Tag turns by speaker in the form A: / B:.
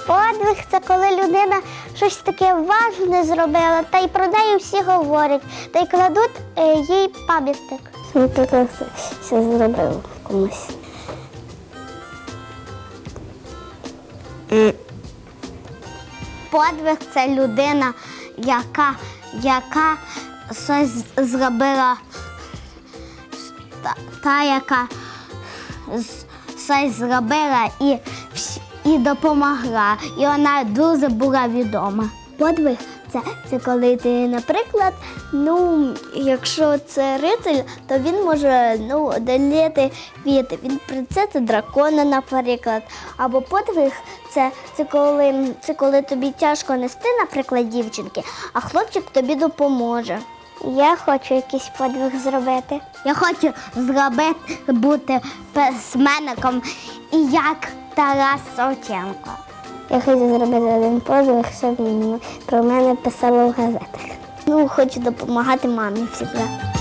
A: Подвиг – це коли людина щось таке важне зробила, та й про неї всі говорять, та й кладуть їй пам'ятник. Наприклад, все зробив комусь. Подвиг – це людина, яка щось зробила, яка щось зробила і допомогла. І вона дуже була відома. Подвиг – це коли ти, наприклад, якщо це рицарь, то він може одоліти від принцеси дракона, наприклад. Або подвиг – це коли тобі тяжко нести, наприклад, дівчинки, а хлопчик тобі допоможе. Я хочу якийсь подвиг зробити. Я хочу бути письменником і як Тарас Шевченко. Я хочу зробити один подвиг, щоб про мене писали в газетах. Хочу допомагати мамі завжди.